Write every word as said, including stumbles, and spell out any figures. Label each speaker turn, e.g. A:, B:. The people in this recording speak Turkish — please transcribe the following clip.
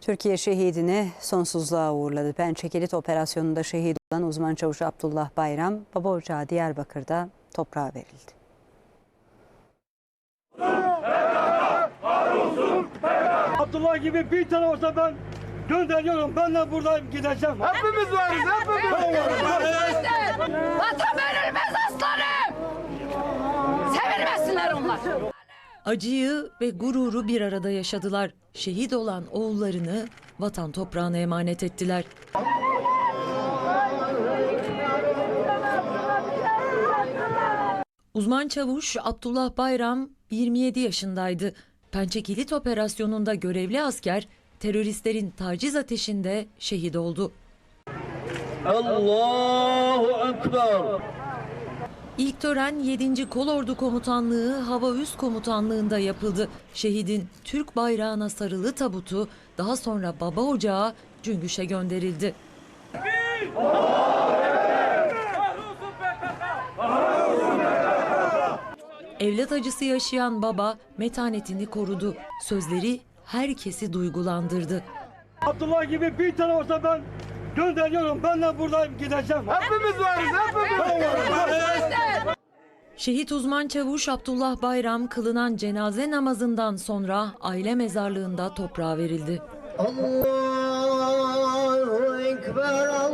A: Türkiye şehidini sonsuzluğa uğurladı. Pençe Kilit Operasyonu'nda şehit olan uzman çavuş Abdullah Bayram, baba ocağı Diyarbakır'da toprağa verildi.
B: Abdullah gibi bir tane olsa ben gönderiyorum. Ben de buradayım, gideceğim.
C: Hepimiz varız, hepimiz varız.
D: Vatan verilmez aslanım. Sevilmesinler onlar.
E: Acıyı ve gururu bir arada yaşadılar. Şehit olan oğullarını vatan toprağına emanet ettiler. Uzman çavuş Abdullah Bayram yirmi yedi yaşındaydı. Pençe Kilit Operasyonu'nda görevli asker teröristlerin taciz ateşinde şehit oldu.
C: Allahu Ekber.
E: İlk tören yedinci Kolordu Komutanlığı Hava Üst Komutanlığı'nda yapıldı. Şehidin Türk bayrağına sarılı tabutu daha sonra baba ocağı Cüngüş'e gönderildi. Evlat acısı yaşayan baba metanetini korudu. Sözleri herkesi duygulandırdı.
B: Abdullah gibi bir tane olsa ben gönderiyorum. Ben de buradayım, gideceğim.
C: Hepimiz varız, hepimiz varız.
E: Şehit uzman çavuş Abdullah Bayram kılınan cenaze namazından sonra aile mezarlığında toprağa verildi.
C: Allahu Ekber.